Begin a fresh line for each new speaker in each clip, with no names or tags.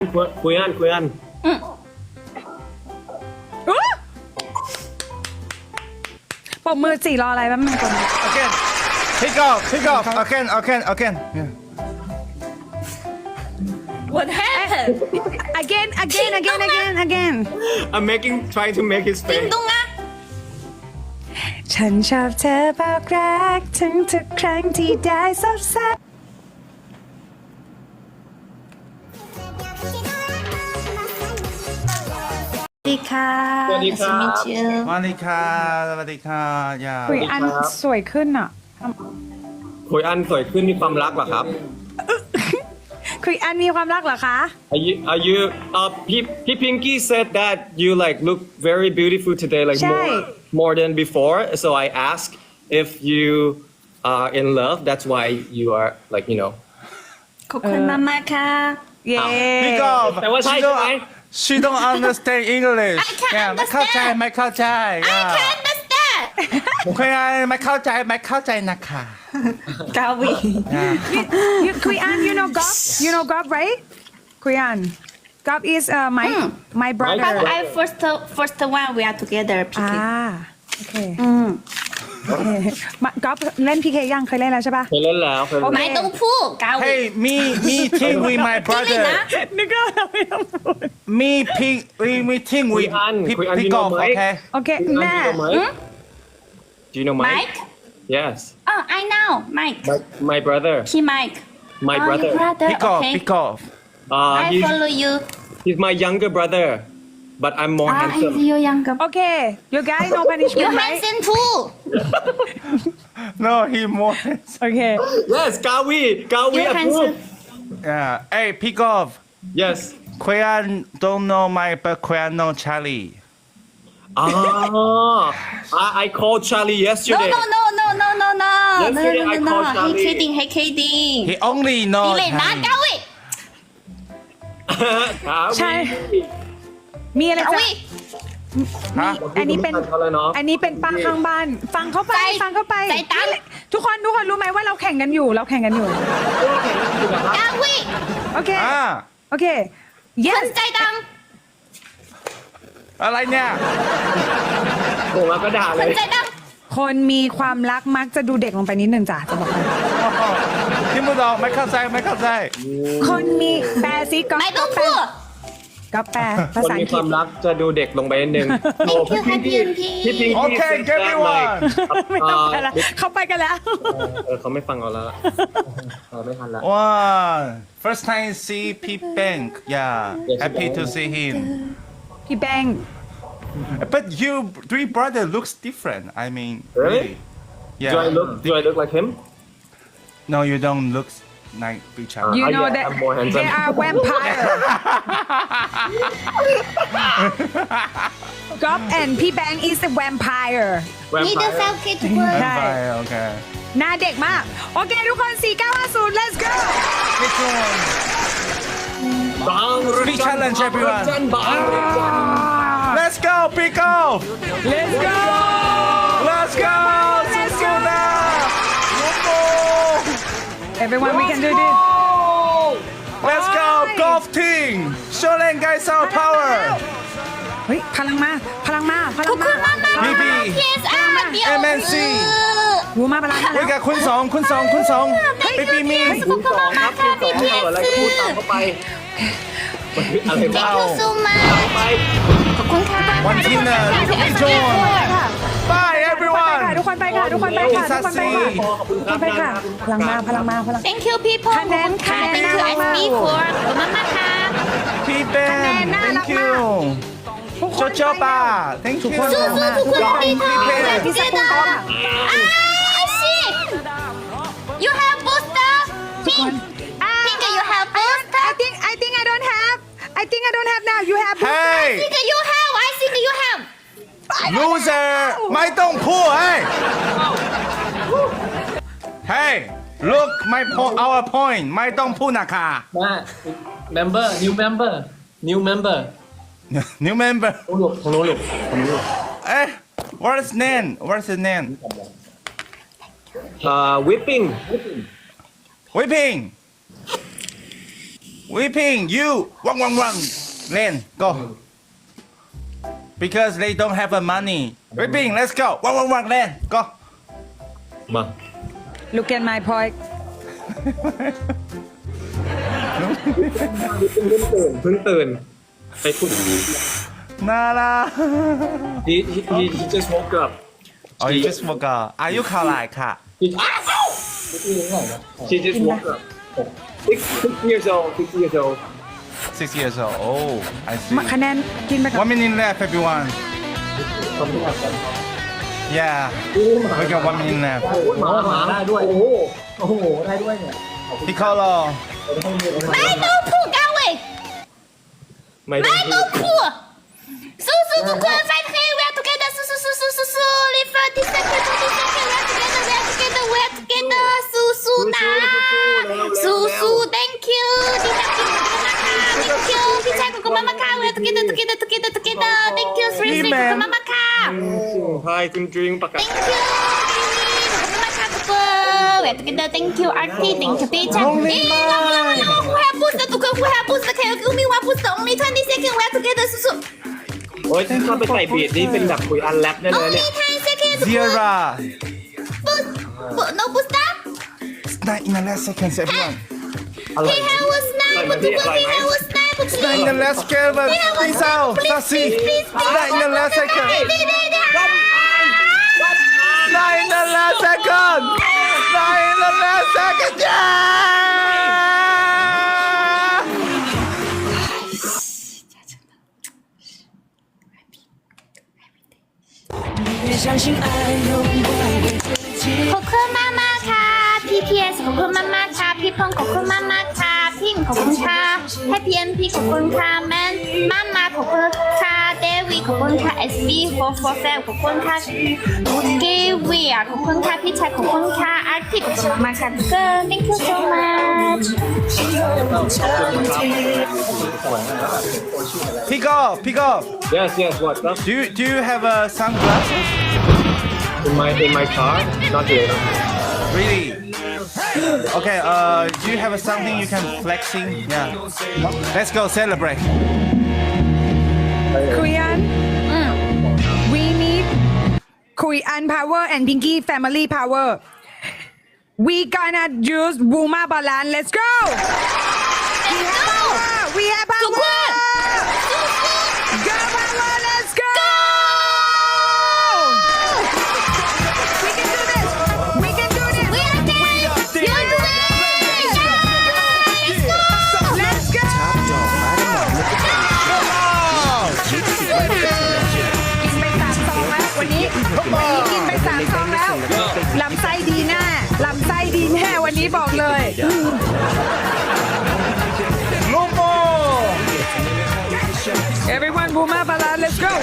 คุยอัน
ปรบมือ4รออะไรแป๊บนึงก่อน
Again. Pick off. Again. Yeah.
What happened
again
I'm trying to make his
จริง
face
ตรงนะ
ฉันชอบเธอบอกรักถึงทุกครั้งที่ได้ซบซับสวัสดีค่ะ
สวัสดีครับ
Nice to meet you
สวัสดีค่ะ Yeah.
คุยอันสวยขึ้นอ่ะ
คุยอันสวยขึ้นมีความรักเหรอครับ
คุยอันมีความรักเหรอคะ
Are you P Pinky said that you like look very beautiful today like
ใช่
more than before so I asked if you are in love that's why you are like you know
ขอบคุณมากๆค่ะ
เย้
Pick off.
แต่ว่าใช่ใช่ไหม
She don't understand English.
I can
Yeah, ไม่เข้าใจ
understand.
ไม่เข้าใจ
I
Yeah.
can understand
คุยอันไม่เข้าใจนะคะ
กาวี
Yeah.
คุยอัน you know Gob right คุยอัน Gob is my brother
but I first one we are together พี่
อ่า
เก
โอเคก๊อฟเล่นพีเคยังเคยเล่นแล้วใช่ปะ
เคยเล่นแล้วเคยเล่น
ไม่ต้องพูดกาวี
Hey, me team with my
พี่ลิ
brother.
นะ
นึกว่าเราไม่ต้องพูด
Me team with
คุยอัน
pick off. Okay.
โอเคแม่
Do you know Mike?
Mike
Yes
oh I know Mike
my brother
พี่ Mike
my
oh
brother
your brother
Pick off.
okay
Pick off.
I follow you
he's my younger brother but I'm more
ah
handsome
he's your younger
โอเค you guys no
you
punishment right
handsome too
No, he more.
โอเค
Yes Gawi
you handsome
Yeah. Hey, pick off.
Yes
Korean don't know but Korean know Charlie.
I called Charlie
no
yesterday
no no no no no no
Yesterday I called
he
Charlie.
kidding he kidding
He only know
พี่ลินะ
Charlie.
กาวี
ใช่ มีอะไร
กา
จะ
วี
อันนี้เป็น
เขาเลยเนาะ
อันนี้เป็นป้าข้างบ้าน ฟังเข้าไป ฟังเข้าไป
ใจตั้ง
ทุกคนรู้ไหมว่าเราแข่งกันอยู่
กาวี
โอเค
Ah.
โอเค
ค
yes
นใจด
อะไรเนี่ย
โอ้มาก็ด่า
ำค
เล
น
ย
ใจด
คนมีความรักมักจะดูเด็กลงไปนิดนึงจ้ะจะบอกให้
听不懂ไม่เข้าใจ
คนมีแปลซิก็
ำไม่ต้องพูด
ก็แปลภา
คน
ษาอั
มี
งก
ค
ฤษ
วามรักจะดูเด็กลงไปนิดนึง
Thank you ค่ะพี่
พี่พิง
Okay, everyone.
ไม่ต้องไปแล้วเขาไปกันแล้ว
เขาไม่ฟังเราแล้วไม่ทันแล้ว
One. First time see Pete Bank. Yeah.
Yes,
Happy
yes.
to see him.
พี่แบงค์
But you three brother looks different. I mean,
Really?
Yeah.
Do I look like him
No, you don't look like each other.
you know
yeah,
that
I'm more handsome.
they are vampire Gob and พี่แบงค์ is a vampire
นี่เดอะ
Vampire
เซลคิดทุกคน
ใช่
Vampire, okay.
หน้าเด็กมาก โอเคทุกคน 4950 let's go
Which one?
บาง
Free challenge, everyone.
บาง
Let's go, pick off.
let's go
Let's go.
Let's go.
Susuna.
everyone we can do this
Let's go, golf team. Show them guys our power.
เฮ้ยพลังมาพลังมาพลั
ของ บ
มา
คุณมากมาก
BB
พีเอสอาร์เดียว
MNC
วูมาพลังมา
We
แล้ว
gotคุณสอง Baby me.
ขอบคุณมากมากค่ะพี่พีเอส
อะไรก็พูดตามเข้าไปอะไรบ้าง
ยูซูมา
ไป
ขอบคุณค่ะ
One team นะ
พี่เอส
Join.
ค่ะ
Bye
ทุกคนไปค่ะ
everyone.
ทุกคนไปค่ะ ทุกคนไปค่ะ
Sassy.
ทุกคนไปค่ะ พลังมาพลังมาพลัง
thank you people
คะแนน
ค่ะ
คะแนน
thank you
น่ารัก
SB
มาก
for ขอบคุณมากมากค่ะ
Pete Ben.
น่ารัก
Thank
มาก
you.
ทุกคน
โจโจป้า Thank you.
สู้ๆทุกคนดีค่ะ
พี่สกุลค่ะ
I see you have booster pink pink you have booster
I think I don't have now you have
Hey,
think you have I think you have
loser. ไม่ต้องพูด Hey, look my our point. ไม่ต้องพูดนะคะ
มา member new member new member
New member.
ของหนูลูก
Eh, what's name? What's the name?
whipping
Whipping. Whipping you วังวังวังเล่น go because they don't have the money Whipping let's go วังวังวังเล่น go
มา
Look at my point
เพิ่งตื่นไปพูด
น่ารัก
he just woke up
Oh you just woke up อายุเท่าไหร่ค่ะ
she just woke up 6 years old 6 years old
6 years old oh I see
คะแนนกินไปก่อน
1 minute left everyone yeah we got 1 minute left
หมาได้ด้วยโอ้โหได้ด้วยเนี่ย
Piccolo
ไม่ต้องพูดกันเว้ย
ไม่
ไม่ต้องพูดสู้ทุกคน fight here we are together สู้live for this second we are together we are together สู้นะสู้ thank you ดีจังขอบคุณมากค่ะ thank you พี่ชายขอบคุณมากค่ะ we are together thank you สรีขอบคุณมากค่ะ
Hi คุณดริงประกาศ
thank you ขอบคุณมากค่ะทุกคน we are together thank you RT thank you พี่ชายwho have booster ทุกคน who have booster can you give me one booster only 20 seconds we are together สู้
โอ้ยถ้าเข้าไปใส่บีดนี่เป็นแบบคุยอันแรปได้เลย
only
เนี่ย
10 seconds ทุกคน
Zira
no booster
Not in the last seconds everyone
อร่อย
he have a snipe ทุกคน he have a snipe
Not in the last second but please out Sassy Not in the last second Not in the last second Not in the last second yeah
ขอบคุณมากค่ะ TPS ขอบคุณมากค่ะ พี่พงศ์ขอบคุณมากค่ะ พิมขอบคุณค่ะ Happy MP ขอบคุณค่ะ แมนมาขอบคุณค่ะ เดวิขอบคุณค่ะ SB447 ขอบคุณค่ะเกวียขอบคุณค่ะ พี่ชายขอบคุณค่ะอาร์ติขอบคุณมากค่ะทุกคน thank you so much
Pick up
Yes what up
Do you have a sunglasses
in my car not here
Really Okay do you have something you can flexing Yeah Let's go celebrate
Korean we need Korean power and Pinky family power we gonna use Wuma balance let's go we have power
ทุกคน
Girl power let's go we can do this
we are there you are doing
let's go กินไป3 ซองแล้ววันนี้กินไป3 ซองแล้วลำไส้ดีแน่ลำไส้ดีแน่วันนี้บอกเลย
Lumo
Everyone Wuma balance let's go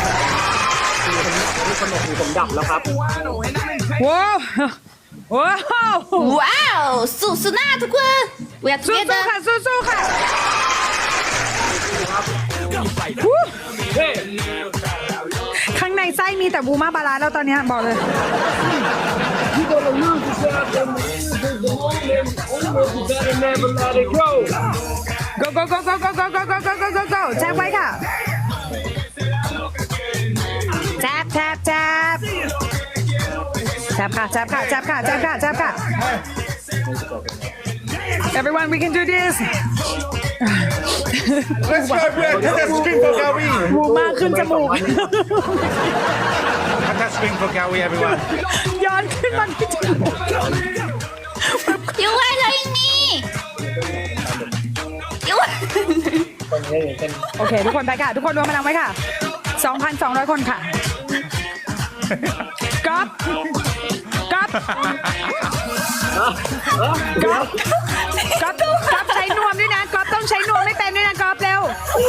ผมดับแล้วครับ
ว้าวว้าว
ว้าวสู้หน้าทุกคน we are
สู้
together
ๆค่ะสู้ๆค่ะ
เฮ้
ข้างในไส้มีแต่บูมาบาลานแล้วตอนเนี้ยบอกเลย
never let it go
go go go go go go go go go go go go แจ็คไว้ค่ะแจ็บแจ็บแจ็บแจ็บค่ะแจ็บค่ะแจ็บค่ะแจ็บค่ะแจ็บค่ะ Everyone we can do this
Let's go everyone Let's scream for Gawi
บูมาขึ้นจมูก
Let's scream for Gawi everyone
ย้อนขึ้นมาที่จมูก
you are loving me you
โอเค ทุกคนไปค่ะ ทุกคนรวมพลังไว้ค่ะ 2,200 คนค่ะก๊อฟก๊อฟก๊อฟก๊อฟก๊อฟใช้นวมด้วยนะก๊อฟต้องใช้นวมไม่เป็นด้วยนะก๊อฟเร็ว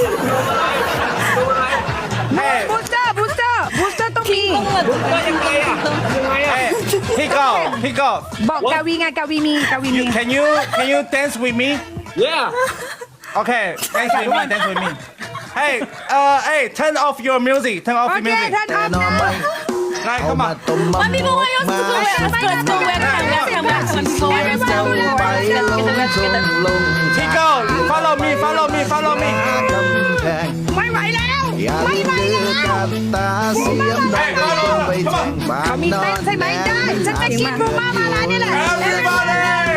Hey
บูสเตอร์บูสเตอร์บูสเตอร์ต้องมี
ยังไงอ่ะยังไงอ่ะ
Hey Pick up
บอกกาวีไงกาวีมีกาวีมี
Can you dance with me
yeah
Okay dance with me Hey turn off your music Turn off
โอ
the
เค
music
ท่านออฟนะ
Right, come on.
One people want you to go where? Let's go where?
Tico, follow me, follow me, follow me.
ไม่ไหวแล้ว ไม่ไหวแล้ว เขามีเต้นใช่ไหมได้ ฉันจะกินบูมามาลานี่แหละ
Everybody.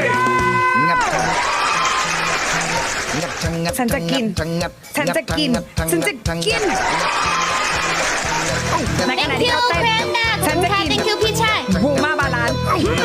ฉันจะกิน ฉันจะกิน ฉันจะกินในขณะ
Thank
ที่
you
เขาเต้น
Brenda ข
ฉั
อบ
น
คุณ
จะ
ค่ะ
กิน
Thank you พี่ชาย
บูมาบาลานซ์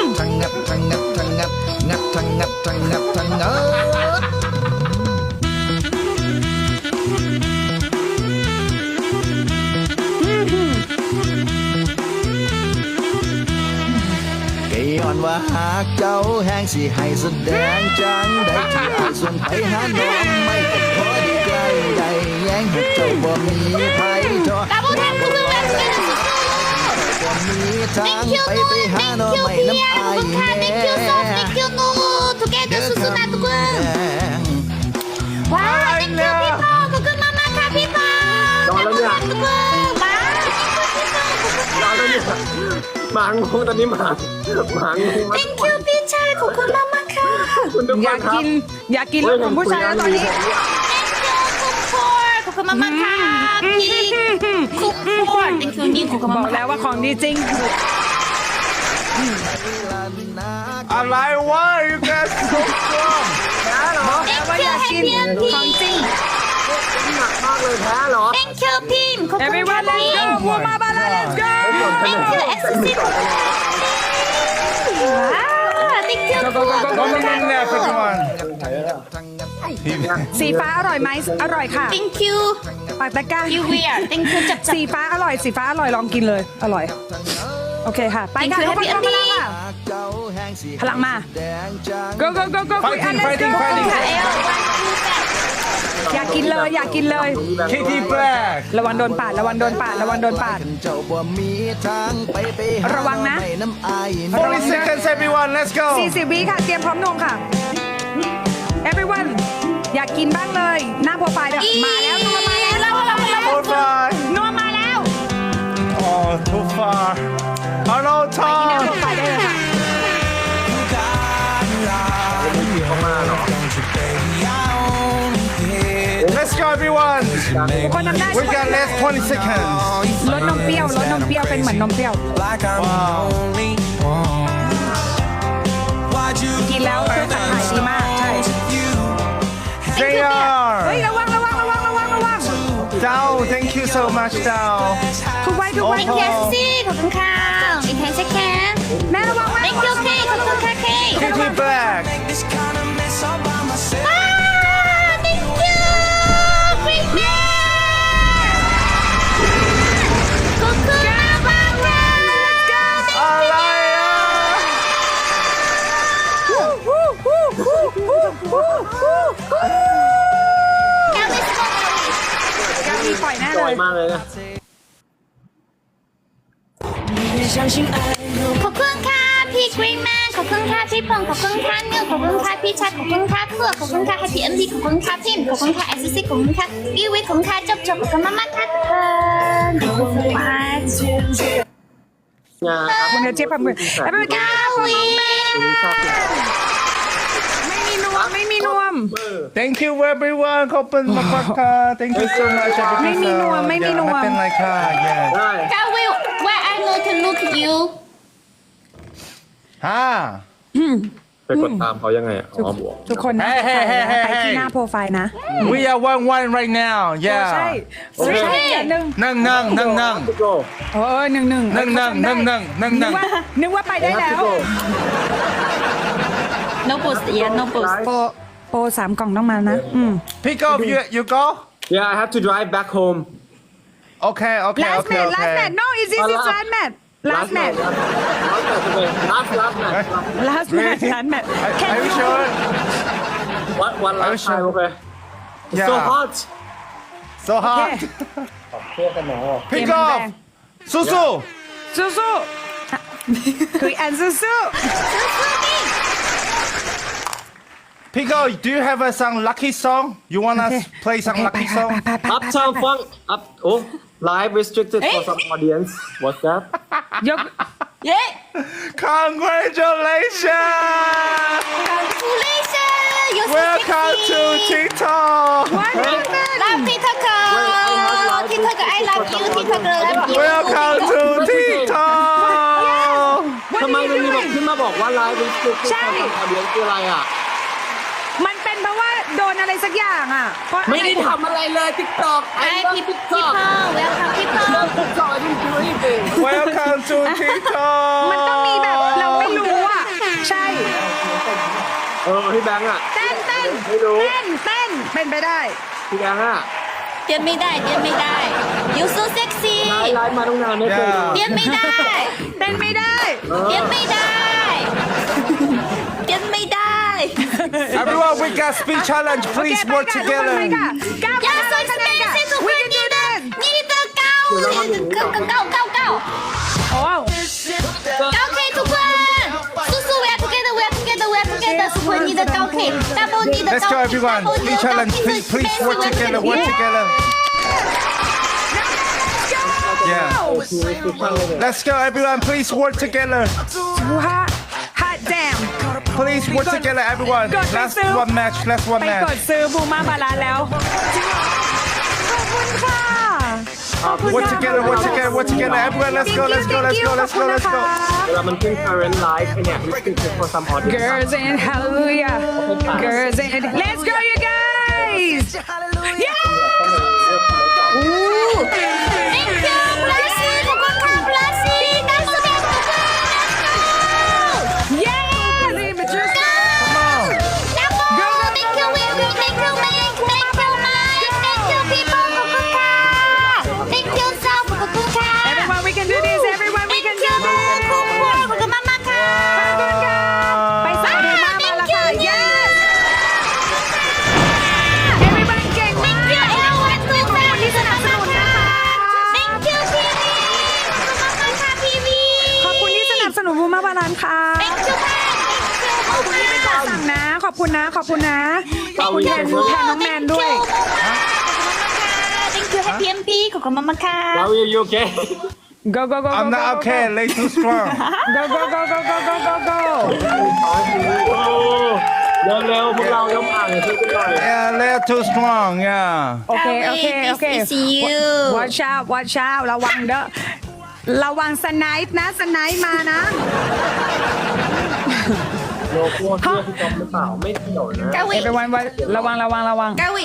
ย้อนว่าหากเจ้าแห้งสิให้แสดงจังได้ที่อายส่วนไปหาน้องไม่ก็พอดีใกล้ใดแย้งให้เจ้าบ่มีไผทอ
Double tap ทุกคน let's get it
บ่มีทาง
Thank you
ไปไปหา
Thank
น้อง
you
ไม่
พี่
น้ำ
ขอบ
อาย
คุณค่ะ
แน่
Thank you so Thank you นู together สุดๆนะทุกคนว้าว Thank you พี่ปอขอบคุณมากๆค่ะพี่ปอ
รอแล้วเนี่ย
ทุกคนว้าว Thank you พี่ปอขอบคุณค่ะ
หมางงตอนนี้หมางง
Thank you พี่ชายขอบคุณมากๆค่ะ
คุณทุก
อ
ค
ยาน ก
ครับ
กิน อยากกินรสของผู้ชายแล้วตอนนี้
Thank you คุกคอร์ขอบคุณมากๆค่ะพี่คุกคอร์ Thank you นี่ขอบคุณ
บ
มา
อก
กๆ
แล้วว่าของดีจริง
I like why you guys so strong.
แล้วว่าอยากกินของจริง
หนักมากเลยแพ้เหรอ
Thank you พิมขอบคุณ
Everyone
ค่ะ
let's
พิ
go
ม
บูมาบาลานซ์ let's go
Thank you XC ขอบคุณค่ะว้าว Thank you
Go, go, go, go, go, go, go, everyone.
สีฟ้าอร่อยไหมอร่อยค่ะ
Thank you
ปากตะกร้า
you weird Thank you จับ
สีฟ้าอร่อย สีฟ้าอร่อยลองกินเลย อร่อย โอเคค่ะ ไปค่ะ
Thank you
ทุกคน
Happy
พลังค่ะ พลังมา go go go go
Fighting,
คุยอัน let's
fighting,
go
fighting.
ค่ะเอล
อยากกินเลย อยากกินเลย
Kitty Black.
ระวังโดนปาด ระวังโดนปาด ระวังโดนปาด
เจ้าบ่มีทางไปหา
ระวังนะ
ไม่น้ำอาย
40 seconds, everyone. Let's go.
40 วิค่ะ เตรียมพร้อมนงค่ะ everyone อยากกินบ้างเลย หน้าโปรไฟล์เนี่ยมาแล้วนัวมาแล้ว
เรา
Too far.
นัวมาแล้ว
Oh, too far. Hello,
หน้า
Tom.
โปรไฟล์ได้เลยค่ะ
Let's go, everyone.
ทุกคนทำได้
We got less 20 seconds.
รสนมเปรี้ยวรสนมเปรี้ยวเป็นเหมือนนมเปรี้ยว กินแล้วคือขับถ่ายดีมาก ใช่ เฮ้ย
JR.
ระวังระวังระวังระวังระวัง
Dao, thank you so much, Dao.
ทุกไว้ทุกไว้
Thank you XC ขอบคุณค่ะอีกแค่เช็คแค่
แม่ระวังไว้
Thank you K ขอบคุณค่ะ K
Kitty Black.
ว้าว Thank you Great man ขอบคุณมากค่ะ
Alaya.
แก้วไม่สมอง
กามีปล่อยแน่
ส
เล
วย
ย
มากเลยนะ
ขอบคุณค่ะพี่ Green Man ขอบคุณค่ะพี่พงษ์ขอบคุณค่ะนิวขอบคุณค่ะพี่ชัดขอบคุณค่ะเพื่อขอบคุณค่ะ Happy MD ขอบคุณค่ะพิมขอบคุณค่ะ SCC ขอบคุณค่ะวิวิขอบคุณค่ะจบขอบคุณมากๆค่ะทุกคนขอบคุณมาก
งาน
คุณเจี๊ยบแบบมือแล้วเป็น
กาวิ
ไม่มีนวม
Thank you, everyone. Kopen Mapaka. Thank you so much. everything.
ไม่มีนวม
So,
ไม่มี
yeah,
นวม
nothing like that. Yeah.
ได้
กาวิ where I know to look you
Ah.
ไปกดตามเขายังไงอ่ะอ๋อบวก
ทุกคนนะ
เฮ้ย
ไปที่หน้าโปรไฟล์นะ
We are 1-1 right now.
ใช่
Yeah.
ใช่หนึ่ง
Nang.
ทุกโล
หนึ่ง
Nang.
นึกว่าไปได้แล้ว
no boost yeah no boost
โปร3 กล่องต้องมานะ
Pick up. You go.
Yeah I have to drive back home
Okay.
last match no is this is last match
last match
last match
Are you sure?
one last time okay
Yeah.
so hot
So hot. Pick up. Susu.
สู้ๆคือแอนสู้
Pico, do you have a song Lucky Song? You want us play some
ไป
Lucky
ค่ะ
Song?
ไป
Uptown Funk up oh live restricted for some audience what's that
ยกเย้
Congratulations!
Congratulations you're so
Welcome to
sexy
TikTok!
love TikTok TikTok I love you TikTok love you
Welcome to TikTok!
ทำไมมันมีบอกขึ้นมาบอกว่า live restricted for some audience คืออะไรอ่ะ
มันเป็นเพราะว่าโดนอะไรสักอย่างอ่ะเพราะ
ไม่ได้ทำอะไรเลย TikTok
Hi people welcome people
TikTok I didn't do anything
Welcome to TikTok!
มันต้องมีแบบเราไม่รู้อ่ะ ใช่
พี่แบงค์อ่ะ
เต้น
ไม่รู้
เป็นไปได้
พี่แบงค์อ่ะ
เตรียมไม่ได้ you so sexy
ไลฟ์มาตั้งนานไม่เคย
เตรียมไม่ได้
เต้นไม่ได้
เตรียมไม่ได้
Everyone, we got speed challenge.
โอเค
Please
ไป
work
ค่ะทุกคน
together.
ไปค่ะก้าว
อย่า
ไป
สน
คะ
ใจ
แนนค่ะ
สิทุก
We
คน
can do
นี่นะ
this
นี่จะเก้า
โอ้
เก้าเคทุกคนสู้ๆ we are together ทุกคนนี่จะเก้าเคดับเบิลนี่จะ
Let's
เก้า
go, everyone. Speed challenge. Please work together. Work together. Yeah. Let's go, everyone. Please work together.
ฮะแจม
Please work together, everyone.
Good.
Last one match. Last one
ไปกด
match.
ซื้อบูมาบาลานแล้ว ขอบคุณค่ะ
Work together. Work together. Work together. Everyone, let's go. Let's go. Let's go. Let's go. Let's go.
เวลามันขึ้น current live เนี่ย restricted for some audience
Girls in hallelujah Girls in Let's go you guys Yeah
Thank you ปลาซีขอบคุณค่ะปลาซีดับเบิลทุกคน
Yeah Images
Come on.
ดับเบิล thank you Will thank you Mike thank you Mike thank you people ขอบคุณค่ะ thank you so ขอบคุณค่ะ
Everyone we can do this Everyone we can do
ขอบ
this
คุณมากๆค่ะ
ไปใส่บูมามาแล้วค่ะ Yes Everyone เก่งมาก
Thank you everyone ทุกคน
ที่สนับสนุนนะคะ
Thank you พี่วีขอบคุณค่ะพี่วี
ขอบคุณที่สนับสนุนบูมาบาลานค่ะ
Thank you ค่ะ
ขอบคุณที่เป็นคนสั่งนะ ขอบคุณนะ ขอบคุณนะ ขอบคุณแทนน้องแมนด้วย
Thank you Happy MP ขอบคุณมากๆค่ะ
How are you okay
Go go go go
I'm
go
not okay. Lay too strong.
go go go go go go go go
เร็วๆพวกเราต้องอ่านช่วยกันหน่อย
Yeah, lay too strong. Yeah.
โอเคโอเคโอเค
See you
watch out ระวังเด้อระวังสไนป์นะสไนป์มานะ
โลโก้เสื้อพี่จอมหรือเปล่าไม่เกี่ยวนะ
กาวิ
everyone ระวัง
กาวิ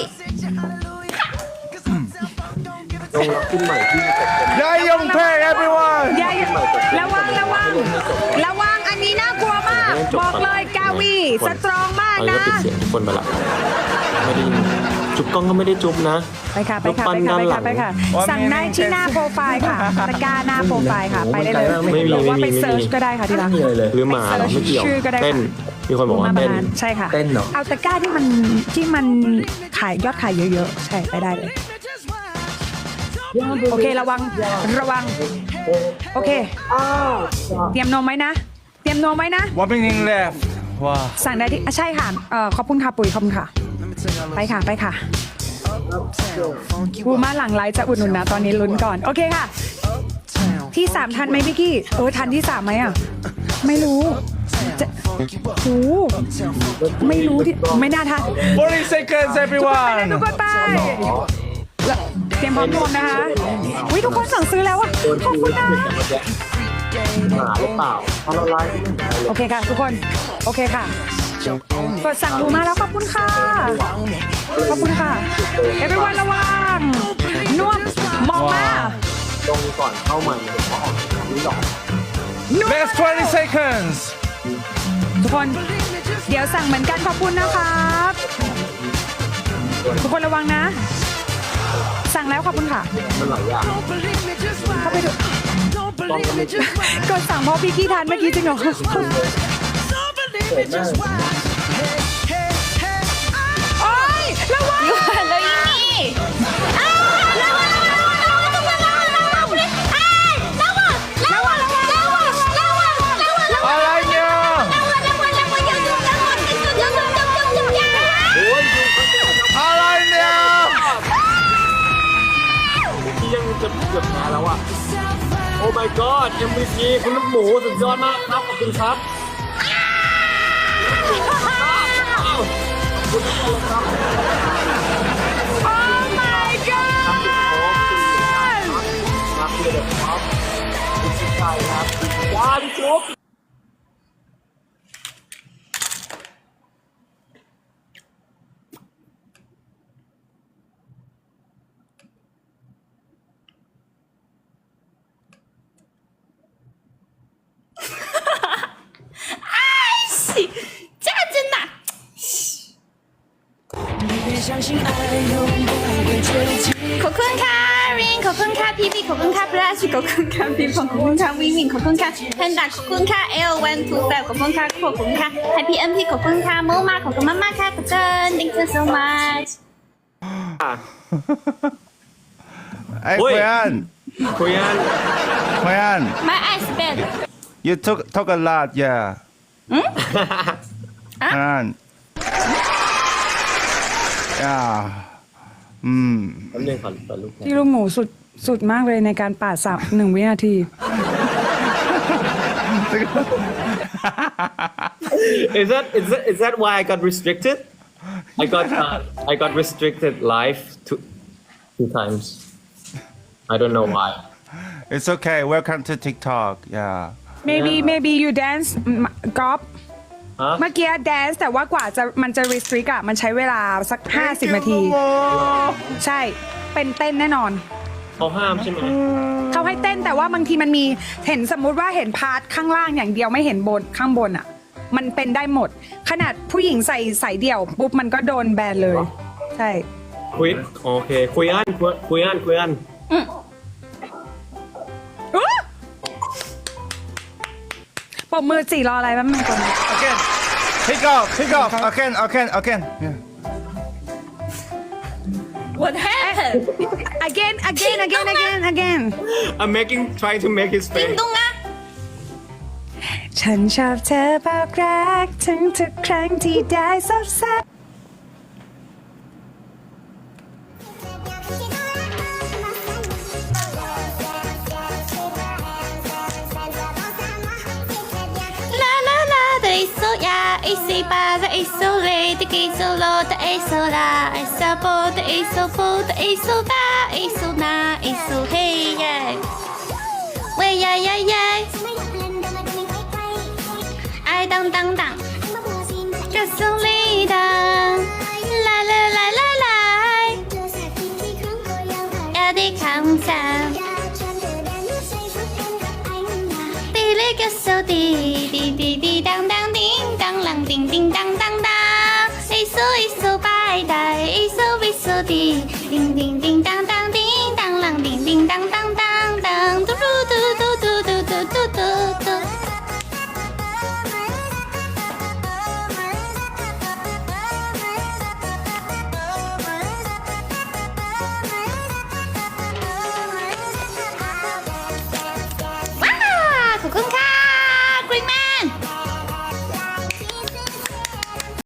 ลงรับขึ้นใหม่ที่จะเป็น
Yeah, young pay, everyone.
อย่าระวังอันนี้น่ากลัวมาก บอกเลยกาวีสตรองมาก
เอา
นะ
ก็ปิดเสียงทุกคนไปละไม่ได้ยินจุ๊บกล้องก็ไม่ได้จุ๊บนะ
ไปค่ะสั่งได้ที่หน้าโปรไฟล์ค่ะตะกร้าหน้าโปรไฟล์ค่ะ ไปได้เลย
ไม่มี
หรือว่าไป
ไม่มี
เซิร์ชก็ได้ค่ะที่รัก
หรือหมาเหรอไม่เกี่ยว
ชื่อก็ได้ค่ะ
เต้นมีคนบอกว่าเต้น
ใช่ค่ะ
เต้นเหรอ
เอาตะกร้าที่มันขายยอดขายเยอะๆ ใช่ไปได้เลย โอเคระวัง โอเค เตรียมนมไหมนะ
1 minute left. Wow.
สั่งได้ที่ใช่ค่ะขอบคุณค่ะปุ๋ยขอบคุณค่ะ ไปค่ะบูมาหลังไลฟ์จะอุดหนุนนะตอนนี้ลุ้นก่อน โอเคค่ะ ที่ 3 ทันไหมพี่กี้ทันที่ 3ไหมอ่ะ ไม่รู้จะโอ้ไม่รู้ที่ไม่น่าทัน
40 seconds,
ทุก
everyone.
คนไปแล้วเตรียมพร้อมรวมนะคะวิทุกคนสั่งซื้อแล้วอ่ะขอบคุณนะ
หมาหรือเปล่าเพราะเราไลฟ์ไม่ได้เลย
โอเคค่ะทุกคนโอเคค่ะกดสั่งดูมาแล้วขอบคุณค่ะeveryone ระวังนุ่มมองมา
ตรงก่อนเข้าใหม่ผมก็ออกนี้หรอก
Last 20 seconds.
ทุกคนเดี๋ยวสั่งเหมือนกันขอบคุณนะครับทุกคนระวังนะ สั่งแล้วขอบคุณค่ะ
มันหลายอย่าง
เข้าไปดูกดสั่งเพราะพี่กี้ทานเมื่อกี้จริงเหรอโอ๊ยระวัง
อยู่เลยนี่ระวังทุกคนระวังระวัง
Alanya.
จะเกือบแพ้แล้วอ่ะ โอ้ my god MVP คุณลูกหมูสุดยอดมากครับ ขอบคุณครับ
โอ้ my god
ครับเพื่อนครับคุณชิคชัยครับยาดิจุ๊บ
짜증나 ขอบคุณค่ะรินขอบคุณค่ะพี่พี่ขอบคุณค่ะปราชขอบคุณค่ะพี่พงขอบคุณค่ะวิวินขอบคุณค่ะแพนด้าขอบคุณค่ะเอลวันทูแฟขอบคุณค่ะขอบคุณค่ะแฮปปี้เอ็มพีขอบคุณค่ะโมมาขอบคุณมากๆค่ะกับเจิน thank you so much
Hey,
Oi.
Koyan.
คุยกัน
Koyan,
my eyes bad
you talk a lot, yeah. Koyan. Yeah.
แป๊บนึงขอลูก
พี่ลูกหมูสุดมากเลยในการปาดสับ1 วินาที
Is that why I got restricted? I got restricted live two times. I don't know why.
It's okay. Welcome to TikTok. Yeah.
maybe you dance ก๊อฟ
ฮะ
เมื่อกี้ dance แต่ว่ากว่าจะมันจะ restrict อะมันใช้เวลาสัก 50 นาที ใช่ เป็นเต้นแน่นอน
เขาห้ามใช่ไหม
เขาให้เต้นแต่ว่าบางทีมันมีเห็นสมมุติว่าเห็นพาร์ทข้างล่างอย่างเดียวไม่เห็นบนข้างบนอ่ะ มันเป็นได้หมด ขนาดผู้หญิงใส่เดี่ยวปุ๊บมันก็โดนแบนเลย ใช่
คุยโอเคคุยอัน
ปมมือ4รออะไรแป๊บนึงก่อน
Again. Pick off. Again. Yeah.
what happened
again
I'm trying to make his face
ตุ้งอ่ะ
ฉันชอบเธอบอกรักถึงทุกครั้งที่ได้ซบเซา
的一首呀，一首八的一首雷的一首罗的一首啦，一首波的一首波的一首大，一首那一首嘿耶，喂呀呀呀，爱当当当，这首里当，来来来来来，要的抗战。滴哩个手滴滴滴滴当当叮当啷叮叮当当当，一首一首白带，一首一首滴叮叮叮当当。